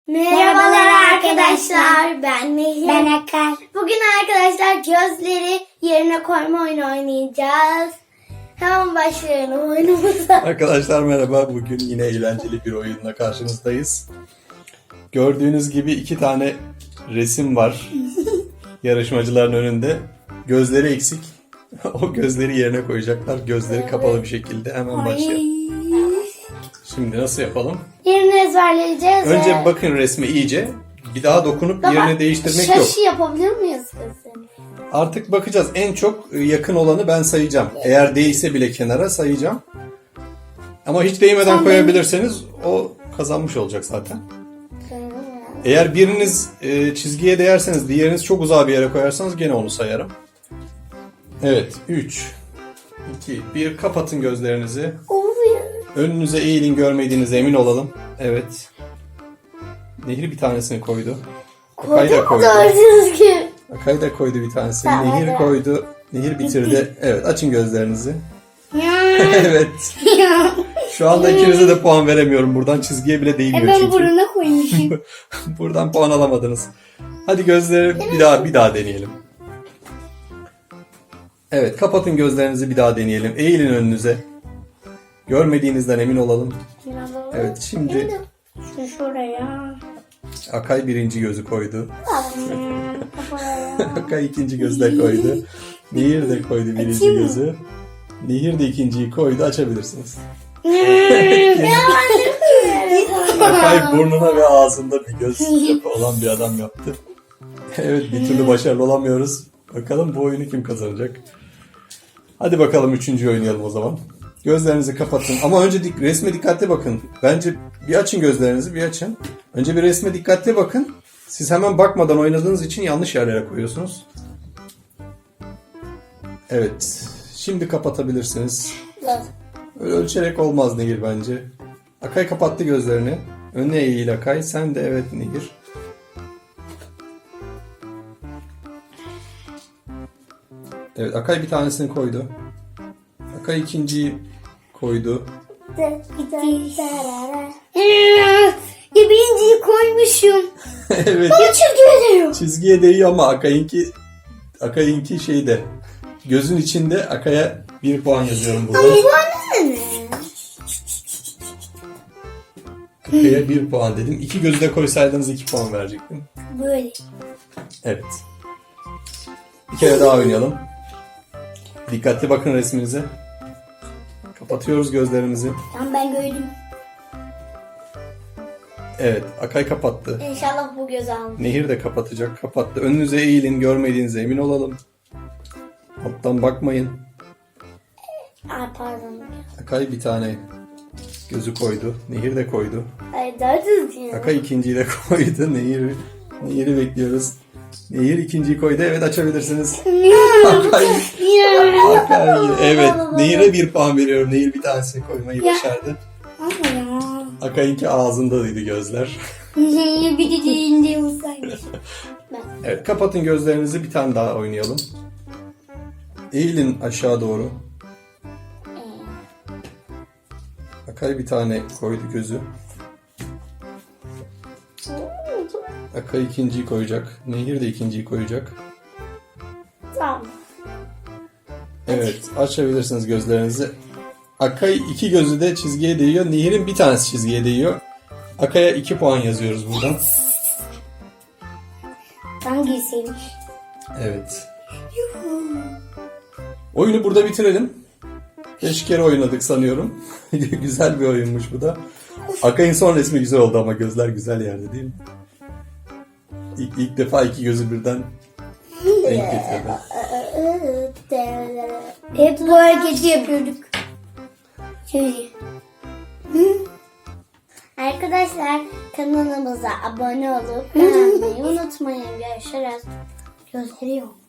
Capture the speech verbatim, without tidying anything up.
Merhabalar arkadaşlar, ben Nehir. Ben Akar. Bugün arkadaşlar gözleri yerine koyma oyunu oynayacağız. Hemen başlayalım oyunumuza. Arkadaşlar merhaba. Bugün yine eğlenceli bir oyunla karşınızdayız. Gördüğünüz gibi iki tane resim var yarışmacıların önünde. Gözleri eksik. O gözleri yerine koyacaklar. Gözleri kapalı bir şekilde. Hemen başlayalım. Şimdi nasıl yapalım? Yerini ezberleyeceğiz. Önce ve... bakın resme iyice. Bir daha dokunup Baba, yerini değiştirmek şaşı yok. yapabilir miyiz kızım? Artık bakacağız. En çok yakın olanı ben sayacağım. Eğer değilse bile kenara sayacağım. Ama hiç değmeden Sen koyabilirseniz o kazanmış olacak zaten. Eğer biriniz e, çizgiye değerseniz, diğeriniz çok uzağa bir yere koyarsanız gene onu sayarım. Evet. üç, iki, bir. Kapatın gözlerinizi. Oluyor. Önünüze eğilin, görmediğinize emin olalım. Evet. Nehir bir tanesini koydu. Akay da koydu. Gördünüz ki. Akay da koydu bir tanesini. Tamam, Nehir hadi. koydu. Nehir bitirdi. Evet, açın gözlerinizi. Evet. Şu anda ikinize de puan veremiyorum. Buradan çizgiye bile değmiyor Ben çünkü. buruna koymuşum. Buradan puan alamadınız. Hadi gözleri bir daha bir daha deneyelim. Evet, kapatın gözlerinizi, bir daha deneyelim. Eğilin önünüze. Görmediğinizden emin olalım. Evet, şimdi Şu şuraya. Akay birinci gözü koydu. Kafaya. Akay ikinci gözü de koydu. Nehir de koydu birinci Açayım mı? gözü. Nehir de ikinciyi koydu. Açabilirsiniz. Akay burnuna ve ağzında bir göz yapı olan bir adam yaptı. Evet, bir türlü başarılı olamıyoruz. Bakalım bu oyunu kim kazanacak? Hadi bakalım üçüncü oynayalım o zaman. Gözlerinizi kapatın. Ama önce dik, resme dikkatli bakın. Bence bir açın gözlerinizi, bir açın. Önce bir resme dikkatli bakın. Siz hemen bakmadan oynadığınız için yanlış yerlere koyuyorsunuz. Evet. Şimdi kapatabilirsiniz. Öyle ölçerek olmaz Nehir bence. Akay kapattı gözlerini. Önüne eğil Akay. Sen de evet Nehir. Evet, Akay bir tanesini koydu. Akay ikinciyi koydu. Ya birinciyi koymuşum. Evet. Çizgiye değiyor. Çizgiye değiyor ama Akay'ınki Akay'ınki şeyde. Gözün içinde. Akay'a bir puan yazıyorum burada. Akay'a bir puan dedim. İki gözü de koysaydınız iki puan verecektim. Böyle. Evet. Bir kere daha oynayalım. Dikkatli bakın resminize. Kapatıyoruz gözlerimizi. Tamam, ben gördüm. Evet, Akay kapattı. İnşallah bu göz almış. Nehir de kapatacak. Kapattı. Önünüze eğilin, görmediğinize emin olalım. Alttan bakmayın. Ay pardon. Akay bir tane gözü koydu. Nehir de koydu. Ay daha düzgün. Akay ikinciyi de koydu. Nehir, Nehir'i bekliyoruz. Nehir ikinciyi koydu. Evet, açabilirsiniz. Akay, Akay. Evet, Nehir'e bir puan veriyorum. Nehir bir tanesini koymayı başardı. Ama ya. Akay'ınki ağzındaydı gözler. Bir de değinde olsaymış. Evet, kapatın gözlerinizi, bir tane daha oynayalım. Eğilin aşağı doğru. Akay bir tane koydu gözü. Akay ikinciyi koyacak. Nehir de ikinciyi koyacak. Tamam. Evet, açabilirsiniz gözlerinizi. Akay iki gözü de çizgiye değiyor. Nehir'in bir tanesi çizgiye değiyor. Akay'a iki puan yazıyoruz buradan. Hangisiymiş? Evet. Oyunu burada bitirelim. Beş kere oynadık sanıyorum. Güzel bir oyunmuş bu da. Akay'ın son resmi güzel oldu ama gözler güzel yerde değil mi? İlk, ilk defa iki gözü birden denk getirdi. Hep bu hareketi yapıyorduk. Şöyle. Arkadaşlar kanalımıza abone olup beğenmeyi unutmayın. Görüşürüz. Gösteriyor.